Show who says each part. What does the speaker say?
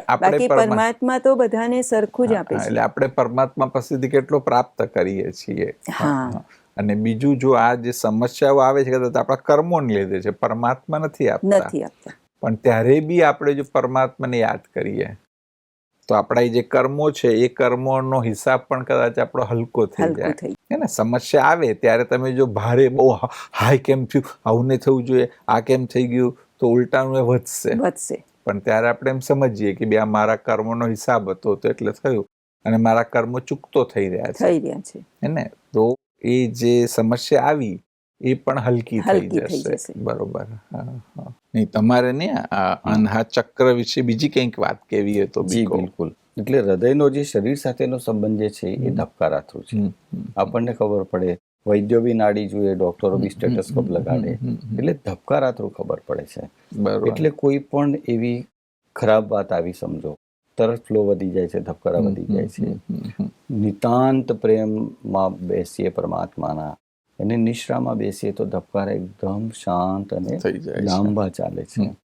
Speaker 1: બાકી પરમાત્મા તો બધાને સરખું જ આપે છે.
Speaker 2: એટલે આપણે પરમાત્મા પાસેથી કેટલો પ્રાપ્ત કરીએ છીએ. અને બીજું, જો આ જે સમસ્યાઓ આવે છે કદાચ આપણા કર્મોને લીધે છે, પરમાત્મા નથી આપતા. પણ ત્યારે બી આપણે જો પરમાત્માને યાદ કરીએ તો આપણા જે કર્મો છે એ કર્મોનો હિસાબ પણ કદાચ આપણો હલકો થઈ જાય. હે ને, સમસ્યા આવે ત્યારે તમે જો ભારે બહુ હાય કેમ થયું, આવું નહીં થવું જોઈએ, આ કેમ થઈ ગયું, તો ઉલટાનું એ વધશે. પણ ત્યારે આપણે એમ સમજીએ કે બે આ મારા કર્મોનો હિસાબ હતો તો એટલે થયું, અને મારા કર્મો ચૂકતો થઈ રહ્યા છે. હે ને, તો એ જે સમસ્યા આવી એ પણ હલકી થઈ જશે. બરોબર. નહીં, તમારે ને અનહા ચક્ર વિશે બીજી કંઈક વાત કેવી હોય તો?
Speaker 3: જી બિલકુલ. એટલે હૃદયનો જે શરીર સાથેનો સંબંધ જે છે એ ધબકારા થ્રુ છે. આપણને ખબર પડે, વૈદ્યો બી નાડી જોઈએ, ડોક્ટરો બી સ્ટેટસ્કોપ લગાડે, એટલે ધબકારા થ્રુ ખબર પડે છે. એટલે કોઈ પણ એવી ખરાબ વાત આવી સમજો, તરત ફ્લો વધી જાય છે, ધબકારા વધી જાય છે. નિતાંત પ્રેમમાં બેસીએ પરમાત્માના, અને નિશ્રામાં બેસીએ તો ધબકારા એકદમ શાંત અને લાંબા ચાલે છે.